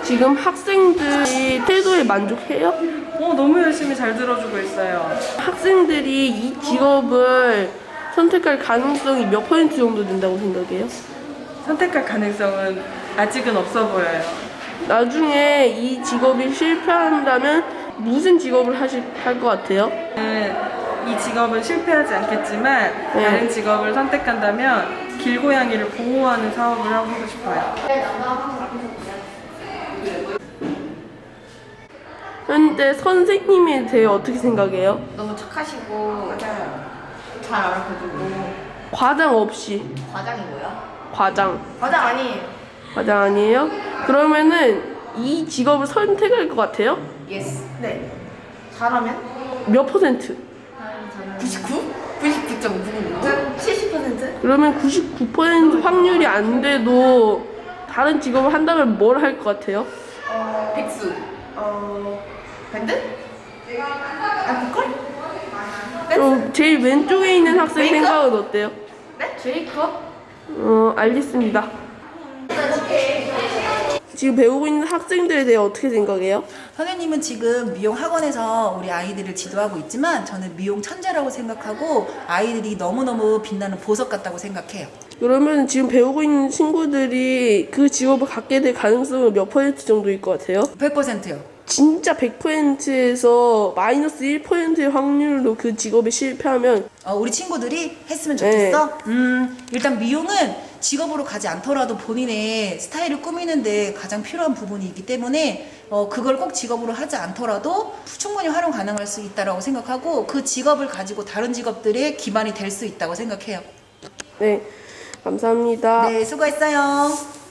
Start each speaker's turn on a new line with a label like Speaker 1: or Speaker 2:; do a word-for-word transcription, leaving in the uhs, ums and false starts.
Speaker 1: 지금 학생들이 태도에 만족해요?
Speaker 2: 어, 너무 열심히 잘 들어주고 있어요.
Speaker 1: 학생들이 이 직업을 선택할 가능성이 몇 퍼센트 정도 된다고 생각해요?
Speaker 2: 선택할 가능성은 아직은 없어 보여요.
Speaker 1: 나중에 이 직업이 실패한다면 무슨 직업을 하실 할 것 같아요?
Speaker 2: 이 직업은 실패하지 않겠지만
Speaker 1: 네.
Speaker 2: 다른 직업을 선택한다면 길고양이를 보호하는 사업을 하고 싶어요.
Speaker 1: 현재 선생님에 대해 어떻게 생각해요?
Speaker 3: 너무 착하시고 잘 알아봐주고.
Speaker 1: 과장 없이.
Speaker 3: 과장이 뭐야?
Speaker 1: 과장.
Speaker 3: 과장 아니에요.
Speaker 1: 과장 아니에요? 그러면은 이 직업을 선택할 것 같아요?
Speaker 3: 예스. 네. 잘하면?
Speaker 1: 몇 퍼센트?
Speaker 3: 구십구? 구십구 점 구구? 칠십 퍼센트?
Speaker 1: 그러면 구십구 퍼센트 확률이 안 돼도 다른 직업을 한다면 뭘 할 것 같아요?
Speaker 3: 어... 백수. 어... 밴드? 아, 보컬?
Speaker 1: 그럼 제일 왼쪽에 있는 학생
Speaker 3: 메이크업?
Speaker 1: 생각은 어때요?
Speaker 3: 네? 제이컵?
Speaker 1: 어, 알겠습니다. 지금 배우고 있는 학생들에 대해 어떻게 생각해요?
Speaker 4: 선생님은 지금 미용 학원에서 우리 아이들을 지도하고 있지만 저는 미용 천재라고 생각하고 아이들이 너무너무 빛나는 보석 같다고 생각해요.
Speaker 1: 그러면 지금 배우고 있는 친구들이 그 직업을 갖게 될 가능성은 몇 퍼센트 정도일 것 같아요?
Speaker 4: 백 퍼센트요.
Speaker 1: 진짜 백 퍼센트에서 마이너스 일 퍼센트의 확률로 그 직업에 실패하면
Speaker 4: 어, 우리 친구들이 했으면 좋겠어?
Speaker 1: 네.
Speaker 4: 음, 일단 미용은 직업으로 가지 않더라도 본인의 스타일을 꾸미는데 가장 필요한 부분이 있기 때문에 어, 그걸 꼭 직업으로 하지 않더라도 충분히 활용 가능할 수 있다고 생각하고 그 직업을 가지고 다른 직업들의 기반이 될 수 있다고 생각해요.
Speaker 1: 네, 감사합니다.
Speaker 4: 네, 수고했어요.